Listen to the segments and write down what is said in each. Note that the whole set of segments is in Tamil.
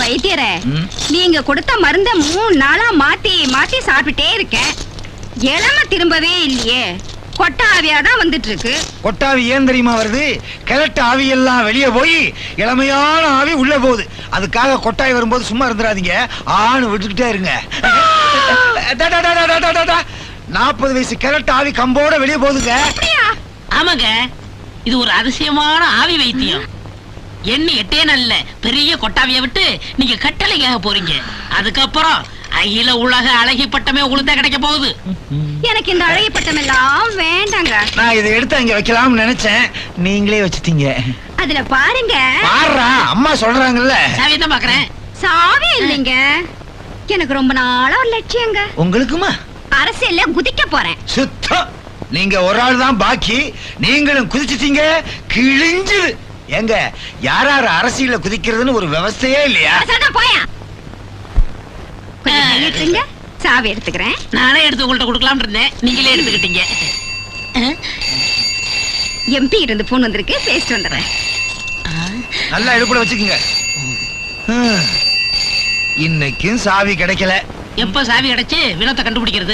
வைத்தியரே, நீங்க கொடுத்த மருந்த 3 நாளா மாத்தி மாத்தி சாப்பிட்டே இருக்கேன். இளம திரும்பவே இல்லையே. கொட்ட ஆவியாதான் வந்துட்டு இருக்கு. கொட்டாவி ஏன் தெரியுமா வருது? கிழட்டு ஆவி எல்லாம் வெளியே போய் இளமையான ஆவி உள்ள போகுது. அதுக்காக கொட்டாய் வரும்போது சும்மா இருந்துடாதீங்க, ஆணு விட்டுக்கிட்டே இருங்க. 40 வயசு கிழட்டு ஆவி கம்போட வெளியே போகுதுங்க. ஆமாங்க, இது ஒரு அதிசயமான ஆவி வைத்தியம். எண்ணி 8 நாள்ல பெரிய கொட்டாவிய விட்டு நீங்க கட்டளைக்காக போறீங்க. அதுக்கப்புறம் அகில உலக அழகி பட்டமே உங்களுக்கு கிடைக்க போகுது. எனக்கு இந்த அழகி பட்டம் எல்லாம் வேண்டாங்க. நான் இதை எடுத்து அங்க வைக்கலாம்னு நினைச்சேன், நீங்களே வச்சுட்டீங்க. அதுல பாருங்க. பாருடா, அம்மா சொல்றாங்கல்ல. சாவியை தான் பாக்குறேன். சாவி இல்லைங்க, எனக்கு ரொம்ப நாளா ஒரு லட்சியங்க. உங்களுக்குமா? அரசியல்ல குதிக்க போறேன். சுத்தம், நீங்க ஒரு ஆள் தான் பாக்கி. நீங்களும் குதிச்சிட்டீங்க, கிழிஞ்சுது. எங்க யார் யார் அரசியல்ல குதிக்கிறதுன்னு ஒரு விவசாயே இல்லையா? போயா, சாவி எடுத்துக்கிறேன். நானே எடுத்து உங்கள்ட்ட கொடுக்கலாம்னு இருந்தேன், நீங்களே எடுத்துக்கிட்டீங்க. எம்பி இருந்து போன் வந்திருக்கு, பேசிட்டு வந்துடுறேன். நல்லா எடுப்புல வச்சுக்கோங்க. இன்னைக்கும் சாவி கிடைக்கல. எப்ப சாவி கிடைச்சு வினோத்தை கண்டுபிடிக்கிறது?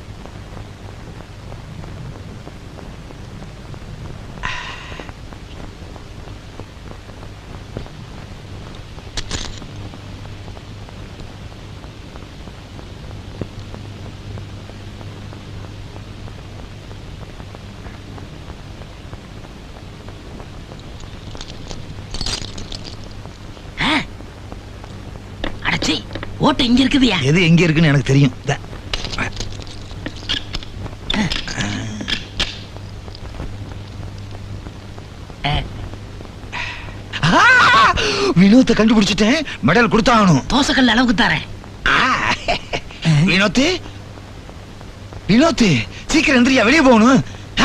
ஓட்ட இங்க இருக்குதுயா? எது எங்க இருக்குன்னு எனக்கு தெரியும். வினோத்தை கண்டுபிடிச்சிட்டேன், மெடல் கொடுத்தாகணும். தோசைக்கல் அளவுக்கு தரேன். வினோத்து, வினோத்து சீக்கிரம் எந்திரியா, வெளியே போகணும்.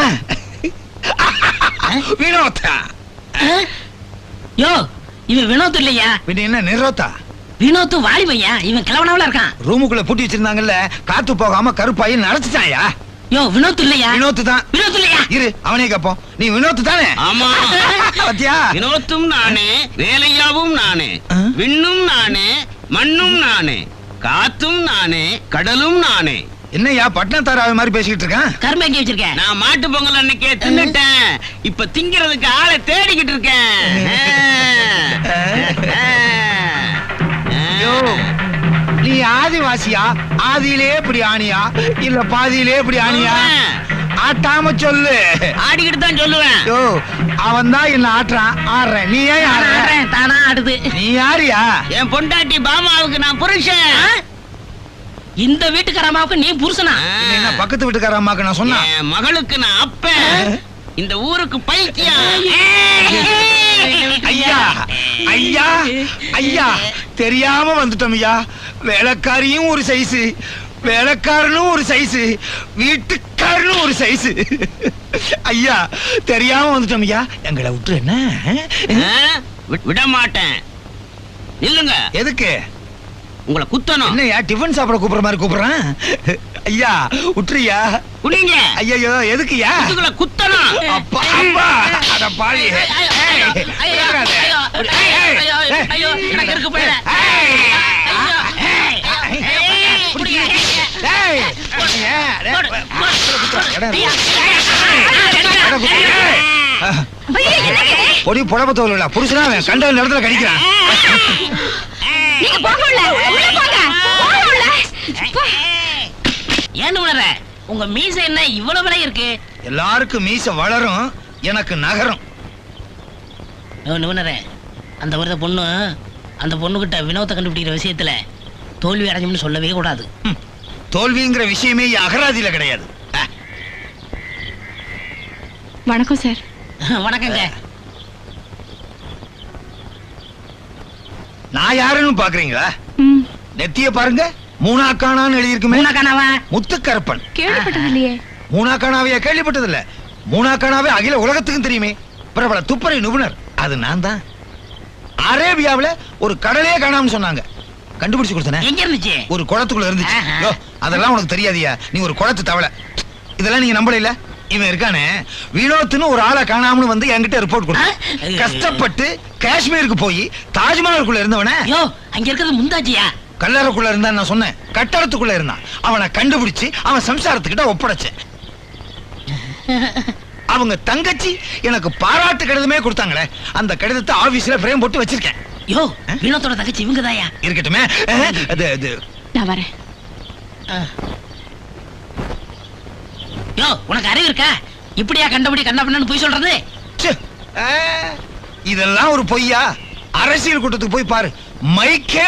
வினோத்தா? யோ, இவன் வினோத் இல்லையா? பின்ன என்ன நிரோத்தா? வினோத்து வாலிபையா, இவன் கிழவனாவில இருக்கான். ரூமுக்குள்ள பூட்டி வச்சிருந்தாங்கல்ல, காத்து போகாம கருப்பாயி நடந்துட்டாயா? யோ, வினோத் இல்லையா? வினோத்து தான். வினோத் இல்லையா? இரு, அவனே கேப்போம். நீ வினோத்து தானே? ஆமா. பாத்தியா? வினோத்தும் நானே, வேலையாவும் நானே, விண்ணும் நானே, மண்ணும் நானே, காத்தும் நானே, கடலும் நானே. என்னையா பட்னத்தாராவை மாதிரி பேசிக்கிட்டு இருக்கான்? கரும்பு எங்க வச்சிருக்கேன்? நான் மாட்டு பொங்கல் அன்னைக்கே தின்னுட்டேன், இப்ப திங்கிறதுக்கு ஆளை தேடிக்கிட்டு இருக்கேன். நீ ஆதிவாசியா? ஆதியிலே இப்படி ஆணியா இல்ல பாதியிலே இப்படி ஆணியா? ஆட்டாம சொல்லு. ஆடிக்கிட்டு தான் சொல்லுவேன். அவன் தான் என்ன ஆட்டுறான், ஆடுறேன். நீ ஏன் ஆடுறேன்? தானா ஆடுது. நீ யாரியா? என் பொண்டாட்டி பாமாவுக்கு நான் புருஷன். இந்த வீட்டுக்காரமாவுக்கு நீ புருஷனா? என்ன பக்கத்து வீட்டுக்கார அம்மாக்கு நான் சொன்னேன். என் மகளுக்கு நான் அப்பன், இந்த ஊருக்கு பைத்தியம். ஐயா ஐயா ஐயா, தெரியாம வந்துட்டோம் ஐயா. வேலைக்காரியும் ஒரு சைஸு, வேலைக்காரனும் ஒரு சைஸு, வீட்டுக்காரனும் ஒரு சைஸு. ஐயா தெரியாம வந்துட்டோம் ஐயா, எங்களை விட்டு என்ன? விட மாட்டேன். இல்லங்க. எதுக்கு? உங்களை குத்தணும். என்னையா டிஃபன் சாப்பிட கூப்பிடுற மாதிரி கூப்பிடுறான்? ஐயா உற்றுயா. குனிங்க. ஐயோ எதுக்குயா? இதுக்குள்ள குத்தணும். அப்பா அப்பா, அட பாவி. ஐயோ, எனக்கு இருக்கு போயிட. பொடி புடவை தோல் புருஷனா கண்ட இடத்துல கடிக்கிறான். ஏன் உணர? உங்க மீச என்ன இவ்வளவு விலை இருக்கு? எல்லாருக்கும் மீச வளரும், எனக்கு நகரும். அந்த ஒரு பொண்ணு, அந்த பொண்ணுகிட்ட வினோத்தை கண்டுபிடிக்கிற விஷயத்துல தோல்வி அடைஞ்சோம்னு சொல்லவே கூடாது. தோல்விங்கிற விஷயமே அகராதியில கிடையாது. வணக்கம் சார். வணக்கங்க. நான் யாருன்னு பாக்குறீங்களா? நெத்திய பாருங்க, மூணாக்கானான்னு எழுதியிருக்குமே. மூணாக்கானாவா? முத்துக்கருப்பன். கேள்விப்பட்டது இல்லையே. மூணாக்கானாவையா கேள்விப்பட்டது இல்ல? மூணாக்கானாவே அகில உலகத்துக்கும் தெரியுமே, பிரபல துப்பறை நிபுணர். அது நான் தான். அரேபியாவுல ஒரு கடலே காணாம சொன்னாங்க, கண்டுபிடிச்சு கொடுத்தேன். எங்க இருந்துச்சு? ஒரு குளத்துக்குள்ள இருந்துச்சு. அதெல்லாம் உனக்கு தெரியாதியா? நீ ஒரு குளத்து தவளை. இதெல்லாம் நீங்க நம்பல இல்ல? இவன் இருக்கானே வினோத்னு ஒரு ஆளை காணாமனு வந்து என்கிட்ட ரிப்போர்ட் கொடுத்தான். கஷ்டப்பட்டு காஷ்மீருக்கு போய் தாஜ்மஹாலுக்குள்ள இருந்தவன யோ அங்க இருக்கிறது முந்தாஜியா? கல்லறைக்குள்ள இருந்தா நான் சொன்னேன், கட்டடத்துக்குள்ள இருந்தான். அவனை கண்டுபிடிச்சு அவன் சம்சாரத்துக்கிட்ட ஒப்படைச்சேன். அவங்க தங்கச்சி எனக்கு பாராட்டு கடிதமே கொடுத்தாங்களே, அந்த கடிதத்தை ஆபீஸ்ல ஃப்ரேம் போட்டு வச்சிருக்கேன். யோ வினோத்தோட தங்கச்சி இவங்கதாயா? இருக்கட்டுமே. அது நான் வரேன். யோ உனக்கு அறிவு இருக்கா? இப்படியா கண்டபடி கண்ணப்பண்ணு போய் சொல்றது? ச்சே, இதெல்லாம் ஒரு பொய்யா? அரசியல் கூட்டத்துக்கு போய் பாரு, மைக்கே